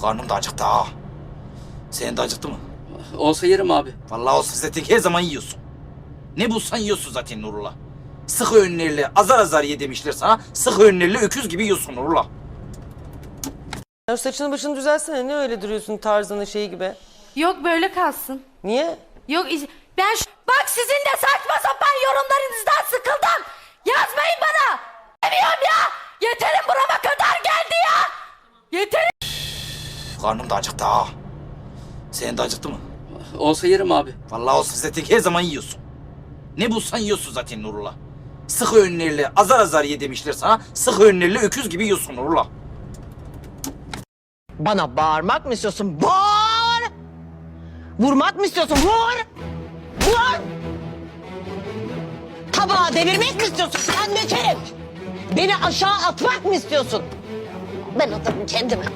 Karnım da acıktı ha. Senin de acıktı mı? Olsa yerim abi. Vallahi olsun zaten her zaman yiyorsun. Ne bulsan yiyorsun zaten Nurullah. Sık öğünlerle azar azar ye demişler sana. Sık öğünlerle öküz gibi yiyorsun Nurullah. Ya saçını başını düzelsene, ne öyle duruyorsun tarzını şey gibi. Yok böyle kalsın. Niye? Yok ben bak sizin de saçma sapan yorumlarınızdan sıkıldım. Yazmayın bana. Demiyorum ya. Yeterim burama kadar geldi ya. Yeterim. Karnım da acıktı ha. Senin de acıktı mı? Olsa yerim abi. Vallahi olsun zaten her zaman yiyorsun. Ne bulsan yiyorsun zaten Nurullah. Sık öğünlerle azar azar ye demişler sana. Sık öğünlerle öküz gibi yiyorsun Nurullah. Bana bağırmak mı istiyorsun? Bağır! Vurmak mı istiyorsun? Vur! Vur! Tabağı devirmek mi istiyorsun? Sen becerip beni aşağı atmak mı istiyorsun? Ben atarım kendimi.